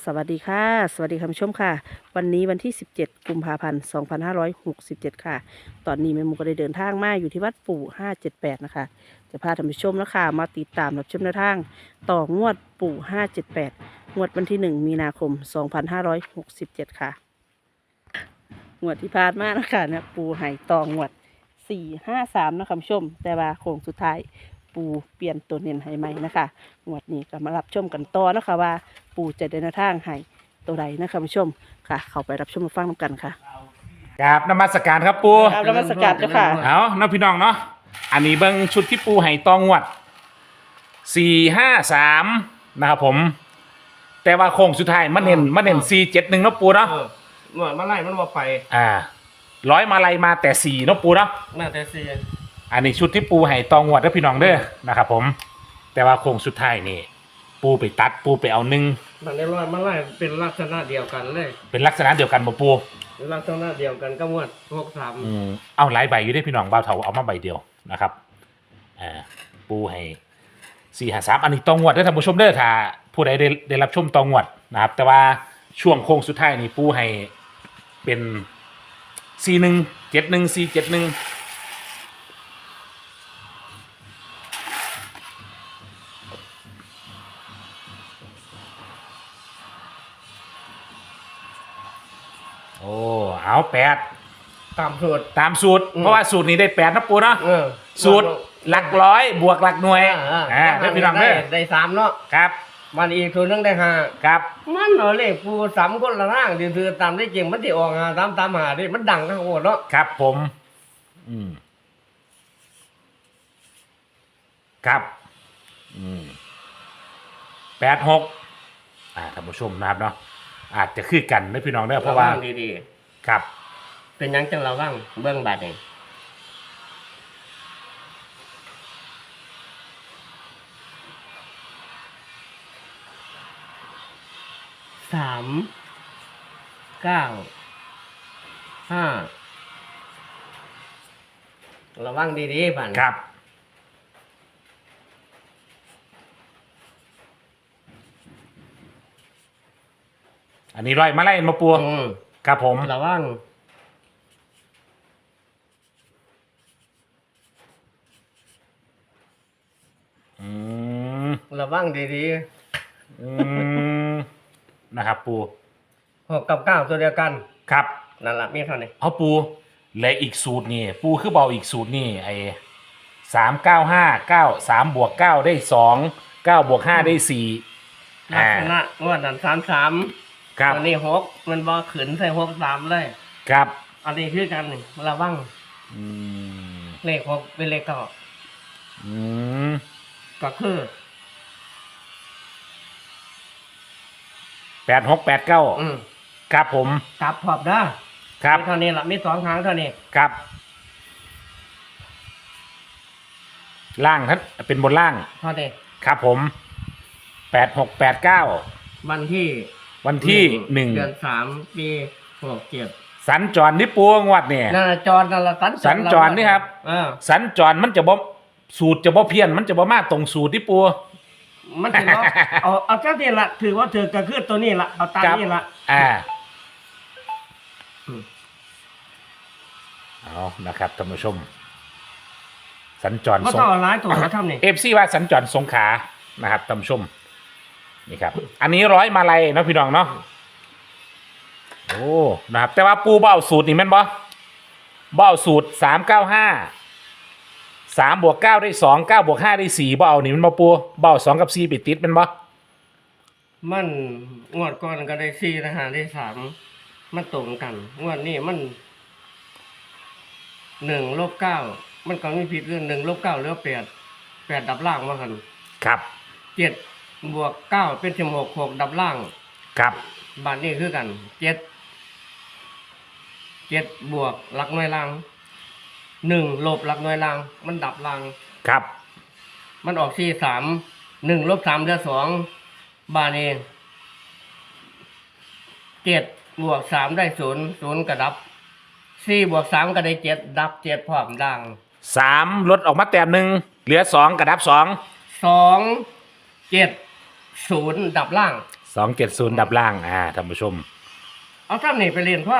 สวัสดีค่ะสวัสดีคุณผู้ชมค่ะวันนี้วันที่17กุมภาพันธ์2567ค่ะตอนนี้แม่หมูก็ได้เดินทางมาอยู่ที่วัดปู่578นะคะจะพาท่านผู้ชมนะคะมาติดตามรับชมแนวทางต่องวดปู่578งวดวันที่1มีนาคม2567ค่ะงวดที่ผ่านมานะคะเนี่ยปู่ให้ต่องวด453นะคะคุณผู้ชมแต่ว่าโค้งสุดท้ายปูเปลี่ยนตัวเน้นให้ใหม่นะคะงวดนี้ก็มารับชมกันต่อนะคะว่าปูจะเดินทางให้ตัวใดนะคะคุณผู้ชมค่ะ เข้าไปรับชมมาฟังกันค่ะกราบนมัสการครับปูครับนมัสการเจ้าค่ะเอาน้องพี่น้องเนาะอันนี้เบิ้งชุดที่ปูให้ตองวด453นะครับผม แต่ว่าโค้งสุดท้ายมันเน้น471เนาะปูเนาะหน่วยมาไล่มันว่าไปร้อยมาลัยมาแต่4เนาะปูเนาะน่าแต่เสียอันนี้ชุดที่ปูให้ตองวดเด้อพี่น้องเด้อนะครับผม แต่ว่าโค้งสุดท้ายนี่ปูไปตัดปูไปเอา1 มันได้ร้อยมาไล่เป็นลักษณะเดียวกันเลยเป็นลักษณะเดียวกันบ่ปูเป็นลักษณะเดียวกันก็มวด63 เอาหลายใบอยู่ได้พี่น้องบ่าวเฒ่าเอามาใบเดียวนะครับปูให้453อันนี้ตองวดเด้อท่านผู้ชมเด้อถ้าผู้ใดได้รับชมตองวดนะครับแต่ว่าช่วงโค้งสุดท้ายนี่ปูให้เป็น4171 471โอ้เอา8 ตามสูตรตามสูตรเพราะว่าสูตรนี้ได้8นะปูเนาะ สูตรหลักร้อยบวกหลักหน่วยได้พี่น้องเด้อได้3เนาะครับมันอีกตัวนึงได้5 ครับมันเอาเลขผู้3คนละร่างถือตามได้จริงมันสิออก5ตามหาดิมันดังทั้งโหดเนาะครับผมครับ86ท่านผู้ชมนะครับเนาะอาจจะคือกันนะพี่น้องเด้อเพราะว่าดีครับๆเป็นหยังจังระวังเบื้องบาดเอง3 9 5ระวังดีๆผ่านครับอันนี้ร้อยมาไล่มาปัวครับผมระวังระวังดีนะครับปูๆ6 กับ 9ตัวเดียวกันครับนั่นแหละมีเท่านี้เอาปูและอีกสูตรนี่ปูคือเบาอีกสูตรนี่ไอ้3 9 5 9 3 บวก 9 ได้ 2 9 บวก 5 ได้ 4 ลักษณะงวดนั้น33 ครับอันนี้6มันบ่ขึ้นใส่63เลยครับอันนี้คือกันนี่ระวังเลข6เป็นเลข9ก็คือ 86 89ครับผมกลับพร้อมเด้อครับเท่านี้ล่ะมี2ทางเท่านี้ครับล่างท่านเป็นบนล่างเท่านี้ครับผม86 89 วันที่ 1 เดือน3ปี67 สัญจรนี่ปูงวดเนี่ยนั่นจรนั่นละสัญจรนี่ครับสัญจรมันจะบ่สูตรจะบ่เพี้ยนมันจะบ่มาตรงสูตรที่ปูมันถือว่าเอาเจ้านี่ละถือว่าถือกระคือตัวนี้ละเอาตามนี่ละเอานะครับท่านผู้ชมสัญจรก็ต้องเอาร้ายตัวเขาทำนี่ FC ว่าสัญจรสงขลานะครับท่านผู้ชมนี่ครับอันนี้ร้อยมาลัยนะพี่น้องเนาะโอ้นะครับแต่ว่าปูเบ้าสูตรนี่แม่นบ่เบ้าสูตร3 บวก 9 ได้ 2 9 บวก 5 ได้ 4บ่เอานี่มันบ่ปูเบ้า2 กับ 4ไปติดแม่นบ่มันงวดก่อนก็ได้4นะฮะได้3มันตรงกันงวดนี้มัน1 ลบ 9มันก็ไม่ผิดเรื่อง1 ลบ 9เหลือ8ดับล่างว่าคั่นครับ 7 บวก 9เป็น16 6ดับล่างครับบาทนี้คือกัน7 บวกหลักหน่วยล่าง1 ลบหลักหน่วยล่างมันดับล่างครับมันออก43 1 ลบ 3เหลือ2บาทนี้7 บวก 3ได้0กระดับ4 บวก 3ก็ได้7ดับ7พร้อมดัง 3ลดออกมาแต้มหนึ่งเหลือ2กระดับ2 2 7 0ดับล่าง 270ดับล่างท่านผู้ชมเอาซ้ำนี่ไปเรียนพ่อ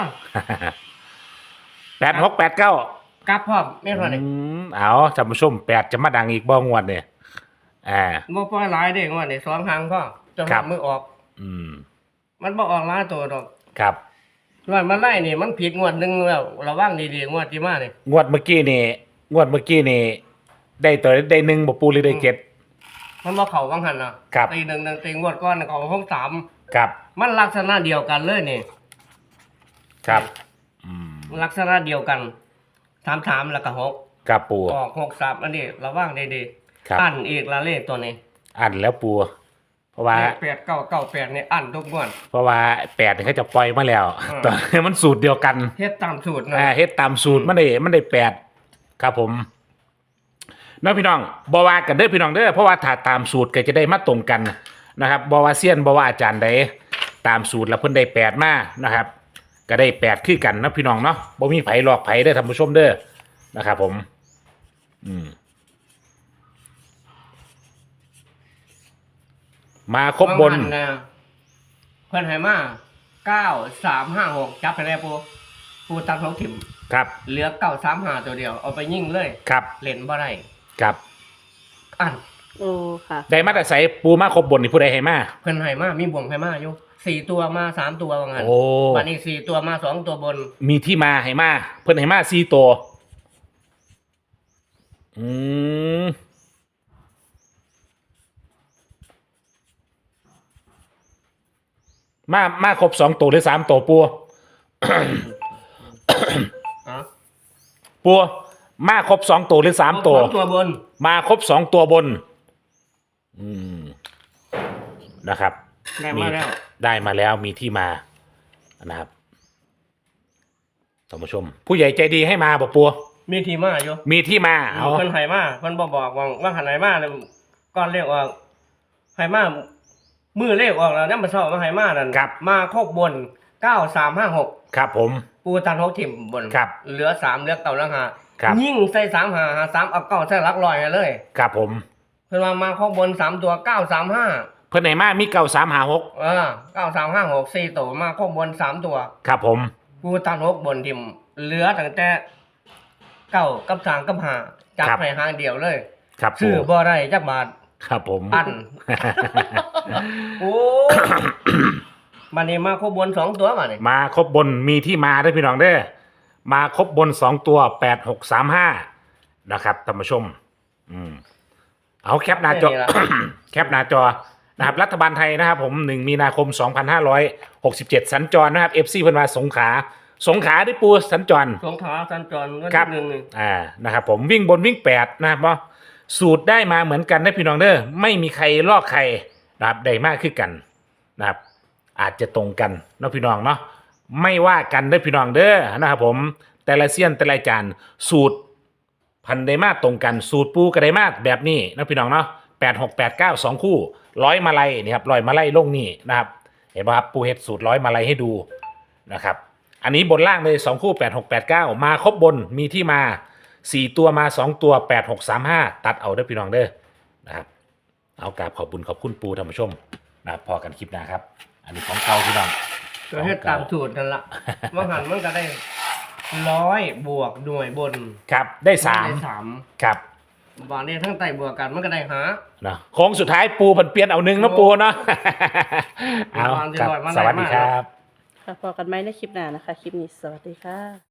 8689 กลับพ่อไม่พอนี่เอาท่านผู้ชม8จะมาดังอีกบ่งวดเนี่ยบ่ปล่อยหลายเด้งว่านี่2ครั้งพ่อจะครัหับมือออกอืมมันบ่ออกหลายตัวดอกครับว่ามันไล่นี่มันผิดงวดหนึงแล้วระวังดีๆงวดที่มานี่งวดเมื่อกี้นี่ได้ตัวได้หนึ่งบ่ปูหรือได้เจ็ดมันบ่เข้าวังหันน่ะครับตี1ตีงวดก่อนเขาห้อง3 ครับมันลักษณะเดียวกันเลยนี่ครับลักษณะเดียวกัน3แล้วก็6 ครับปูออก63อันนี้ระวังดีครับๆอันอีกละเลขตัวนี้อันแล้วปูเพราะว่า 8998นี่อันทุกงวดเพราะว่า8นี่เขาจะปล่อยมาแล้วอืมตอนนี้มันสูตรเดียวกันเฮ็ดตามสูตรนะเฮ็ดตามสูตรมันได้8ครับผมน้องพี่น้องบ่ว่ากันเด้อพี่น้องเด้อเพราะว่าถ้าตามสูตรก็จะได้มาตรงกันนะครับบ่ว่าเซียนบ่ว่าอาจารย์ใดตามสูตรแล้วเพิ่นได้8มานะครับก็ได้8คือกันนะพี่น้องเนาะบ่มีไผหลอกไผเด้อท่านผู้ชมเด้อนะครับผมมาครบบนางอันะเพิ่นให้มา9356จับไปแล้วปูตัดของถิ่มครับเหลือ935ตัวเดียวเอาไปยิงเลยครับเล่นบ่ได้ครับอันโอ้ค่ะได้มาแต่ใส่ปูมาครบบนนี่ผู้ใดให้มาเพิ่นให้มามีบ่วงให้มาอยู่4ตัวมา3ตัวว่างั้นโอ้บัดนี้4ตัวมา2ตัวบนมีที่มาให้มาเพิ่นให้มา4ตัวอืมมาครบ2ตัวหรือ3ตัวปูอ๋อปูมาครบ2ตัวหรือ3ตัวสองตัวบนมาครบ2ตัวบน อืมนะครับได้มาแล้วได้มาแล้วมีที่มานะครับท่านผู้ชม ผู้ใหญ่ใจดีให้มาบอกปัวมีที่มาอยู่มีที่มาเอาเพิ่นให้มาเพิ่นบ่บอกว่าหันให้มาแล้วก่อนเลขออกให้มามือเลขออกแล้วนำมาเช้ามาให้มานั่นมาครบบน9356 ครับผมปูตัน6ถิ่มบนครับเหลือ3เหลือ9แล้วครับ 5ยิ่งใส่3 5 3เอา9ใส่หลักร้อยให้เลยครับผมเพิ่นว่ามาครบบน3ตัว935 เพื่อนไหนมามี9356 9356 4ตัวมาครบบน3ตัวครับผมปูตัน6บนถิ่มเหลือตั้งแต่9กับ3กับ5จับให้หางเดียวเลยครับปูซื้อบ่ได้จักบาทครับผมอัน โอ้ มันนี่มาครบบน2ตัวมานี่มาครบบนมีที่มาได้อพี่น้องเด้อมาครบบน2ตัว8635นะครับท่านผู้ชมเอาแคปหน้าจอ แคปหน้าจอนะครับรัฐบาลไทยนะครับผม1มีนาคม2567สัญจรนะครับ FC เพิ่นว่าสงขลาได้ปูสัญจรสงขลาสัญจรเงินครับหนึ่งนี่นะครับผมวิ่งบนวิ่ง8นะครับเนาะสูตรได้มาเหมือนกันได้พี่น้องเด้อไม่มีใครลอกใครนะครับได้มากขึ้นกันนะครับอาจจะตรงกันเนาะพี่น้องเนาะไม่ว่ากันได้อพี่น้องเด้อนะครับผมแต่ละเซียนแต่ละจานสูตรพันไดมาตรงกันสูตรปูกระไดมาแบบนี้นะพี่น้องเนาะ8689 2คู่100มาลัยนี่ครับ100มาลัยลงนี่นะครับเห็นป่ะครับปูเฮ็ดสูตร100มาลัยให้ดูนะครับอันนี้บนล่างเลย2คู่8689มาครบบนมีที่มา4ตัวมา2ตัว8635ตัดเอาเด้อพี่น้องเด้อนะครับเอากราบขอบคุณปูท่านผู้ชมนะครับพอกันคลิปหน้าครับอันนี้ของเก่าพี่น้องก็เฮ็ดตามสูตรนั่นล่ะว่าหันมันก็ได้100บวกหน่วยบนครับได้ได้ 3 3 ครับบาทนี้ทั้งไตบวกกันมันก็ได้หานะโค้งสุดท้ายปูผันเปลี่ยนเอา1นะปูเนาะ เอาวางที่ครับร้อยมาสวัสดีมากครับค่ะพอกันไหมในคลิปหน้านะคะ คลิปนี้สวัสดีค่ะ